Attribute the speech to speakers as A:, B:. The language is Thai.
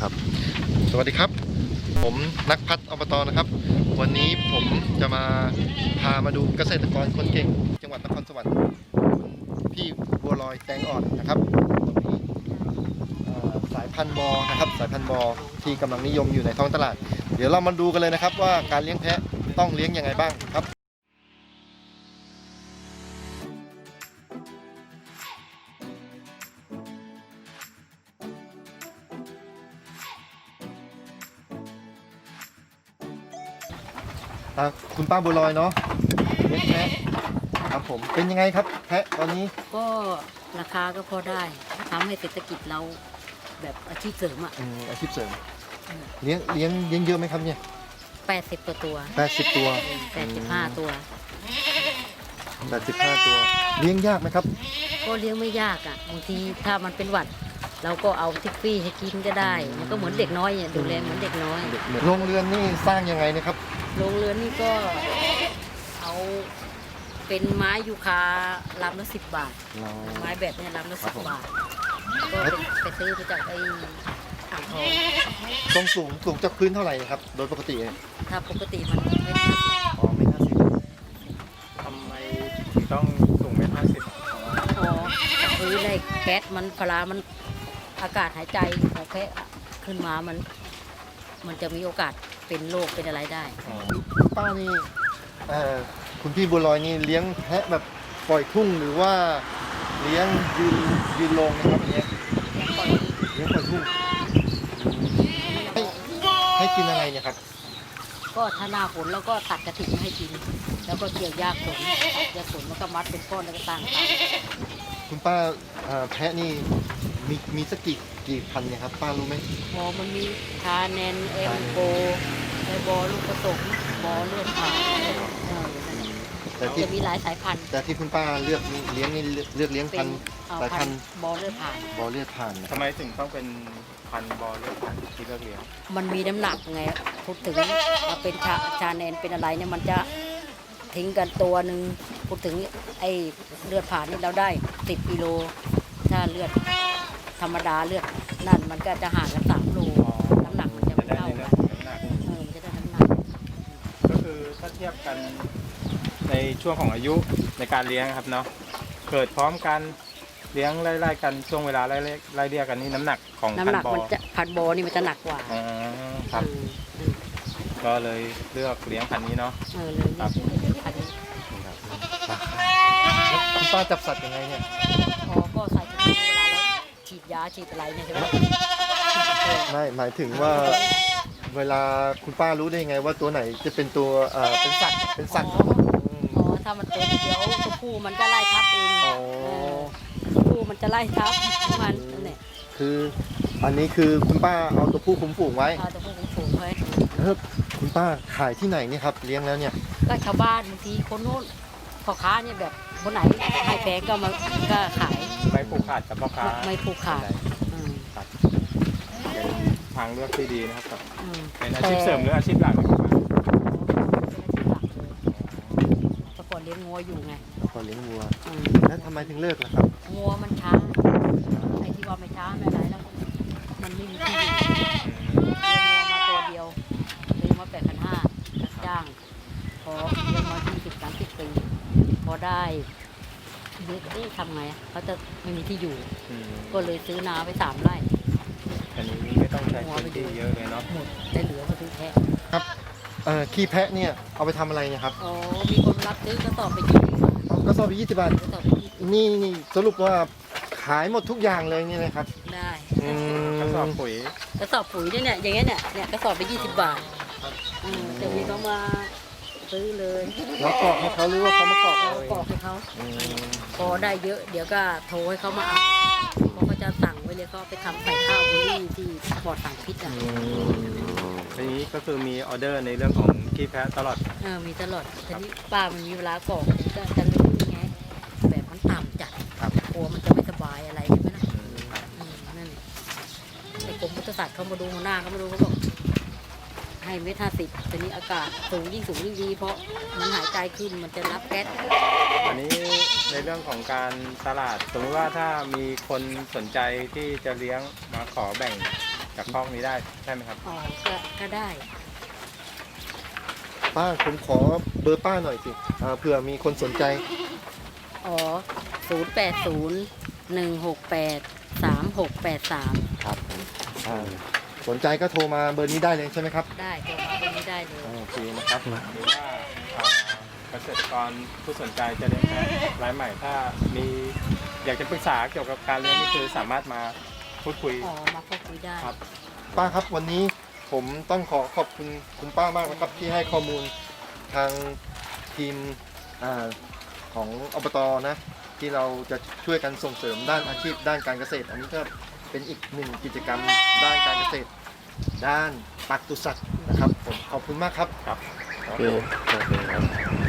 A: ครับสวัสดีครับผมนักพัฒน์อบตนะครับวันนี้ผมจะพามาดูเกษตรกรคนเก่งจังหวัดนครสวรรค์พี่บัวลอยแตงอ่อนนะครับสายพันธุ์บอนะครับสายพันธุ์บอที่กำลังนิยมอยู่ในท้องตลาดเดี๋ยวเรามาดูกันเลยนะครับว่าการเลี้ยงแพะต้องเลี้ยงยังไงบ้างครับคุณป้าบัวลอยเนาะเลี้ยงแพะครับผมเป็นยังไงครับแพะตอนนี้
B: ก็ราคาก็พอได้ทำให้เศรษฐกิจเราแบบอาชีพเสริมอ่ะ
A: อาชีพเสริมเลี้ยงเยอะไหมครับเนี่ย
B: 80ตัว
A: 80ตัว
B: 85ตัว
A: 85ตัวเลี้ยงยากไหมครับ
B: ก็เลี้ยงไม่ยากอ่ะบางทีถ้ามันเป็นหวัดเราก็เอาทิกฟี่ให้กินก็ได้มันก็เหมือนเด็กน้อยเนี่ยดูแลเหมือนเด็กน้อย
A: โรงเรือนนี่สร้างยังไงนะครับ
B: โรงเรือนนี่ก็เอาเป็นไม้ยูคาลำละ10 บาทไม้แบบนี้ลำละ10 บาทก็ไปซื้อมาจากไอ้อ่างทอง
A: ต้องสูงจากพื้นเท่าไหร่ครับโดยปกติ
B: ถ้าปกติมันไม่
C: ทำไมถึงต้องสูง1.50
B: จากพื้นเลยแก๊สมันพลามันอากาศหายใจของแพะขึ้นมามันจะมีโอกาสเป็นโรคเป็นอะไรได้
A: ป้านี่คุณพี่บัวลอยนี่เลี้ยงแพะแบบปล่อยทุ่งหรือว่าเลี้ยงยืนลงนะครับเลี้ยงปล่อยทุ่งให้กินอะไรเนี่ยครับ
B: ก็ถ้าหน้าฝนแล้วก็ตัดกระถิ่นให้กินแล้วก็เกี่ยวหญ้าขนตัดหญ้าขนแล้วก็มัดเป็นก้อนแล้วก็ตั้ง
A: คุณป้าแพะนี่มีสักกี่พันเนี่ยครับป้ารู้ไหม
B: พอมันมีคาแนนเอ็มโกไอบอลูกผสมบอเลือดผ่านแต่ที่จะมีหลายสายพันธุ์
A: แต่ที่คุณป้าเลือกเลี้ยงนี่เลือกเลี้ยงพันสายพันธุ์
B: บอเลือดผ่าน
C: ทำไมถึงต้องเป็นพันธุ์บอเลือดผ่านที่เลือกเลี้ยง
B: มันมีน้ำหนักไงพูดถึงเราเป็นชาแนนเป็นอะไรเนี่ยมันจะทิ้งกันตัวหนึ่งพูดถึงไอ้เลือดผ่านนี่เราได้10 กิโลถ้าเลือดธรรมดาเลือดนั่นมันก็จะห่างกัน3 โลน้ำหนักมันจะไม่เท่ากันมันจะได้น้ำหนัก
C: ก็คือถ้าเทียบกันในช่วงของอายุในการเลี้ยงครับเนาะเกิดพร้อมกันเลี้ยงไล่ๆกันช่วงเวลาไล่เรียกกันนี่น้ำหนักของพันธุ์บอ
B: พันธุ์บอนี่มันจะหนักกว่า
C: ครับก็เลยเลือกเลี้ยงพันธุ์นี้เนาะ
B: เลยครับ
A: คุณป้าจับสัตว์ยังไงเนี่ย
B: ก็ใส่ถุงมือเวลาแล้วฉีดยาฉีดอะไรเนี่ยใช่ไหม
A: ไม่หมายถึงว่าเวลาคุณป้ารู้ได้ยังไงว่าตัวไหนจะเป็นตัวเป็นสัตว์
B: ถ้ามันตัวเดียวตัวผู้มันก็ไล่ทับเองตัวผู้มันจะไล่ทับมันเนี่ย
A: คืออันนี้คือคุณป้าเอาตัวผู้คุมฝูงไว้
B: ตัวผู้คุมฝูงไว้
A: คุณป้าขายที่ไหนนี่ครับเลี้ยงแล้วเนี่ย
B: ก็ชาวบ้านบางทีคนโน้นพ่อค้าเนี่ยแบบคนไหนให้แพงก็ขาย
C: ไม่ผูกขาดกับพ่อค้า
B: ไม่ผูกขาด
C: เป็นทางเลือกที่ดีนะครับเป็นอาชีพเสริมหรืออาชีพหลัก
B: แต่ก่อนเลี้ยงงัวอยู่ไง
A: ก่อนเลี้ยงวัวแล้วทำไมถึงเลิกล่ะครับ
B: งัวมันช้าไอ้ที่ว่าไม่ช้าไม่อะไรแล้วมันไม่มีที่อยู่เลี้ยงงัวมาตัวเดียวเลี้ยงมา8,500รับจ้างพอเลี้ยงมา20-30 ปีพอได้เด็กทำไงเขาจะไม่มีที่อยู่ก็เลยซื้อนาไป3 ไร่
C: อันนี้ไม่ต้องใช้พื้นที่เยอะเลยเนาะ
B: หมดแต่เหลือก็ซื้อแพะ
A: ครับขี้แพะเนี่ยเอาไปทำอะไรนะครับ
B: มีคนรับซื้อกระสอบไป
A: กระสอบไป20 บาทนี่สรุปว่าขายหมดทุกอย่างเลยนี่นะครับ
B: ได้
C: กระสอบปุ๋ย
B: เนี่ยอย่างเงี้ยเนี่ยกระสอบไป20 บาทจะมีเขามาซื้อเลย
A: แล้วกรอกให้เขาหรือว่าเขามากรอก
B: ให้เขาพอได้เยอะเดี๋ยวก็โทรให้เขามาเอาเขาจะสั่งไว้เลยก็ไปทำใส่ข้าวบุรีที่ปลอดสารพิษ
C: ทีนี้ก็คือมีออเดอร์ในเรื่องของขี้แพะตลอด
B: มีตลอดทีนี้ป้ามันมีเวลากรอกก็จะรู้ไงแบบมันต่ำจัดกลัวมันจะไม่สบายอะไรใช่ไหมล่ะนั่นไอ้กรมปศุสัตว์เขามาดูหัวหน้าเขามาดูเขาบอกให้1.50 ทีนี้อากาศสูงยิ่งดีเพราะมันหายใจขึ้นมันจะรับแก๊ส
C: อันนี้ในเรื่องของการตลาดสมมติว่าถ้ามีคนสนใจที่จะเลี้ยงมาขอแบ่งจากคอกนี้ได้ใช่ไหมครับ
B: อ๋อก็ได้
A: ป้าผมขอเบอร์ป้าหน่อยสิเผื่อมีคนสนใจ
B: อ๋อ0801683683
A: ครับสนใจก็โทรมาเบอร์นี้ได้เลยใช่ไหมครับ
B: ได้โทรมาตรงนี้ได้เลย
A: โอเคนะครับ
C: หรือว่าเกษตรกรผู้สนใจจะเลี้ยงแพะรายใหม่ถ้ามีอยากจะปรึกษาเกี่ยวกับการเลี้ยงนี่คือสามารถมาพูดคุย
B: อ๋อมาพูดคุยได้
C: ครับ
A: ป้าครับวันนี้ผมต้องขอขอบคุณคุณป้ามากนะครับ ที่ให้ข้อมูลทางทีมของอบตนะที่เราจะช่วยกันส่งเสริมด้านอาชีพด้านการเกษตร อันนี้ก็เป็นอีกหนึ่งกิจกรรมด้านการเกษตร ด้านปศุสัตว์นะครับผมขอบคุณมากครับ
C: ครับ
A: โอเคครับ